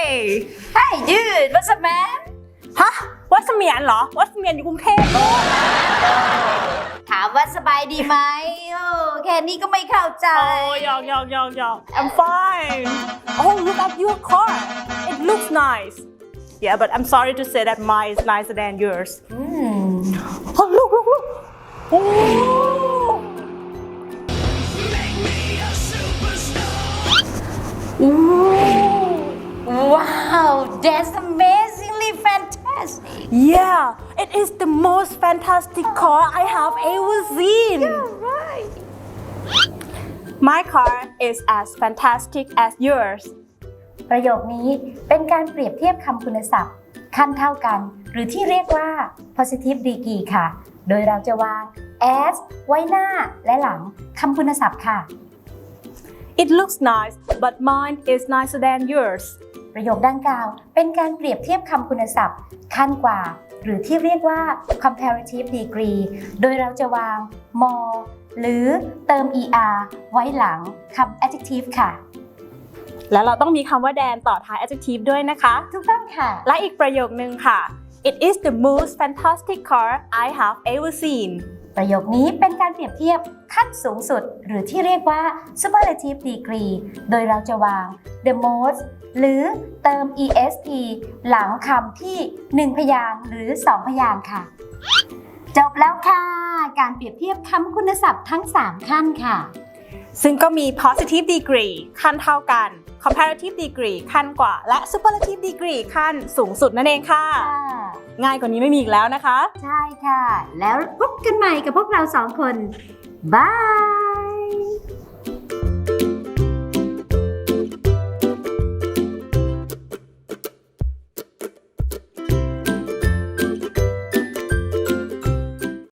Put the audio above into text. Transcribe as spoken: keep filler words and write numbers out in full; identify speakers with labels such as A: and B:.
A: Hey
B: Hey dude what's up man
A: ฮะวัดเสมียนเหรอวัดเสมียนอยู่กรุงเทพ
B: ถามว่าสบายดีไหมโอ้แค่นี้ก็ไม่เข้าใจ
A: โอ้ยอกยอกยอกยอก I'm fine Oh look at your car It looks nice Yeah but I'm sorry to say that mine is nicer than yours
B: อืม
A: Oh look look look Oh
B: Wow that's amazingly fantastic
A: Yeah it is the most fantastic car I have ever seen
B: right
A: My car is as fantastic as yours
B: ประโยคนี้เป็นการเปรียบเทียบคำคุณศัพท์ขั้นเท่ากันหรือที่เรียกว่า positive degree ค่ะโดยเราจะวาง as ไว้หน้าและหลังคำคุณศัพท์ค่ะ
A: It looks nice but mine is nicer than yours
B: ประโยคดังกล่าวเป็นการเปรียบเทียบคำคุณศัพท์ขั้นกว่าหรือที่เรียกว่า comparative degree โดยเราจะวาง more หรือเติม er ไว้หลังคำ adjective ค่ะ
A: แล้วเราต้องมีคำว่าแดนต่อท้าย adjective ด้วยนะคะ
B: ถูกต้องค่ะ
A: และอีกประโยคนึงค่ะ It is the most fantastic car I have ever seen
B: ประโยคนี้เป็นการเปรียบเทียบขั้นสูงสุดหรือที่เรียกว่า superlative degree โดยเราจะวาง the most หรือเติม est หลังคำที่หนึ่งพยางค์หรือสองพยางค์ค่ะ จบแล้วค่ะ การเปรียบเทียบคำคุณศัพท์ทั้งสามขั้นค่ะ
A: ซึ่งก็มี positive degree ขั้นเท่ากัน comparative degree ขั้นกว่า และ superlative degree ขั้นสูงสุดนั่นเองค่ะ ง่ายกว่านี้ไม่มีอีกแล้วนะคะ
B: ใช่ค่ะ แล้วพบกันใหม่กับพวกเราสองคน บาย